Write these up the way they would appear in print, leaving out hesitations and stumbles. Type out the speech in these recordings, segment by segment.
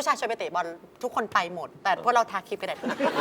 ผู้ชายชวนไปเตะบอลทุกคนไปหมด แต่พวกเราทาครีมกันแดด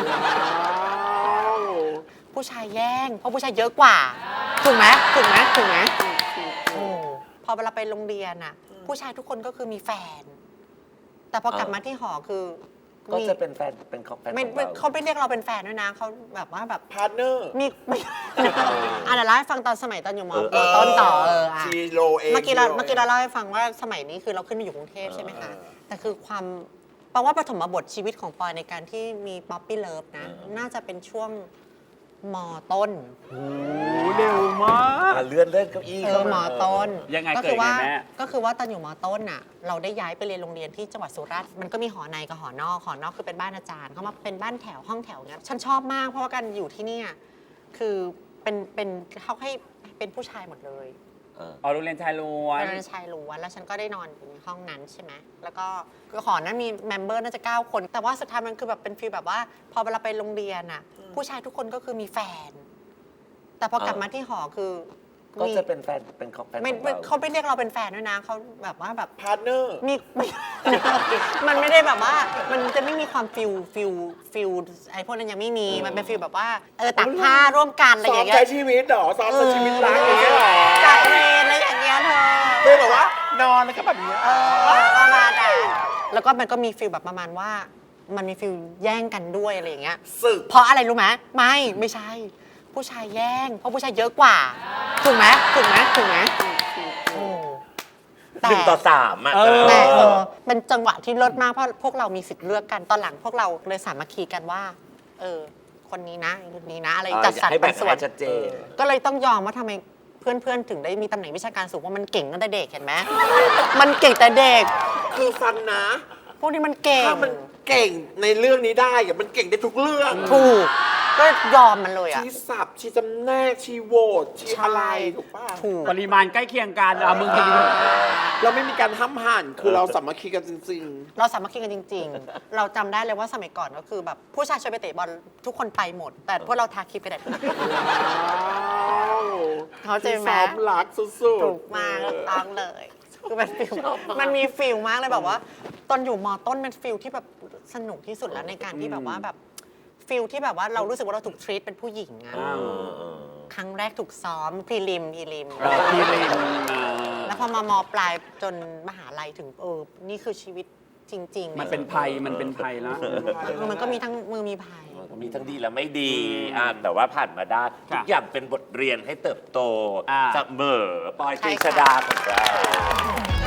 ผู้ชายแย่งเพราะผู้ชายเยอะกว่าถูกไหมโอ้พอเวลาไปโรงเรียนอ่ะผู้ชายทุกคนก็คือมีแฟน แต่พอกลับมาที่หอคือก็จะเป็นแฟนเป็นของแฟนของเราเขาไม่เรียกเราเป็นแฟนด้วยนะเขาแบบว่าแบบพาร์ทเนอร์มีเดี๋ยวเล่าให้ฟังตอนสมัยตอนอยู่ม.ต้นต่อชีโรเองเมื่อกี้เราเล่าให้ฟังว่าสมัยนี้คือเราขึ้นมาอยู่กรุงเทพใช่ไหมคะแต่คือความแปลว่าปฐมบทชีวิตของปอยในการที่มีป๊อปปี้เลิฟนะน่าจะเป็นช่วงม.ต้นโอ้เร็วมากเลื่อนเก้าอี้เข้ามม.ต้นยังไงเกิดไงแม่ก็คือว่าตอนอยู่ม.ต้นน่ะเราได้ย้ายไปเรียนโรงเรียนที่จังหวัดสุราษฎร์มันก็มีหอในกับหอนอกคือเป็นบ้านอาจารย์เขามาเป็นบ้านแถวห้องแถวเนี้ยฉันชอบมากเพราะว่าการอยู่ที่นี่คือเป็นเขาให้เป็นผู้ชายหมดเลยโรงเรียนชายล้วนโรงเรียนชายล้วนแล้วฉันก็ได้นอนอยู่ในห้องนั้นใช่ไหมแล้วก็หอนั้นมีเมมเบอร์น่าจะ9 คนแต่ว่าสุดท้ายมันคือแบบเป็นฟีลแบบว่าพอเวลาไปโรงเรียนผู้ชายทุกคนก็คือมีแฟน แต่พอกลับมาที่หอคือก็จะเป็นแฟนเป็นของแฟนของเราเขาไม่เรียกเราเป็นแฟนด้วยนะเขาแบบว่าแบบพาร์ทเนอร์มีมันไม่ได้แบบว่ามันจะไม่มีความฟิลไอ้พวกนั้นยังไม่มีมันเป็นฟิลแบบว่าตักผ้าร่วมกันอะไรอย่างเงี้ยซ้อมใช้ชีวิตหรอซ้อมใช้ชีวิตรักอย่างเงี้ยหรอจัดเวรอะไรอย่างเงี้ยเธอเป็นแบบว่านอนแล้วก็แบบนี้ประมาณนั้นแล้วก็มันก็มีฟิลแบบประมาณว่ามันมีฟิลแย่งกันด้วยอะไรอย่างเงี้ยสึกเพราะอะไรรู้ไหมไม่ใช่ผู้ชายแย่งเพราะผู้ชายเยอะกว่าถูกไหม 1-3 แต่เป็นจังหวะที่เลิศมากเพราะพวกเรามีสิทธิ์เลือกกันตอนหลังพวกเราเลยสามัคคีกันว่าคนนี้นะคนนี้นะอะไรจัดสรรปันส่วนชัดเจนก็เลยต้องยอมว่าทำไมเพื่อนถึงได้มีตำแหน่งวิชาการสูงเพราะมันเก่งตั้งแต่เด็กเห็นไหมมันเก่งแต่เด็กคือฟังนะพวกนี้มันเก่งถ้ามันเก่งในเรื่องนี้ได้มันเก่งได้ทุกเรื่องถูกก็ยอมมันเลยชี้สับชี้จำแนกชี้โหวตชี้อะไรถูกป่ะปริมาณใกล้เคียงกันมึงเราไม่มีการห้ามหันคือเราสามัคคีกันจริงๆเราสามัคคีกันจริงๆเราจำได้เลยว่าสมัยก่อนก็คือแบบผู้ชายชวนไปเตะบอลทุกคนไปหมดแต่พวกเราทาครีมกันแดดเขาใจไหมซ้อมรักสุดๆถูกมากต้องเลยคือเป็นฟิลมันมีฟิลมากเลยแบบว่าตอนอยู่ม.ต้นเป็นฟิลที่แบบสนุกที่สุดแล้วในการที่แบบว่าแบบฟิลที่แบบว่าเรารู้สึกว่าเราถูกทรีตเป็นผู้หญิงครั้งแรกถูกซ้อมพรีลิมแล้วพอมามปลายจนมหาลัยถึงนี่คือชีวิตจริงๆมันเป็นภัยแล้วมันก็มีทั้งมีภัยมีทั้งดีและไม่ดีแต่ว่าผ่านมาได้ทุกอย่างเป็นบทเรียนให้เติบโตเสมอปอย ตรีชฎาของเรา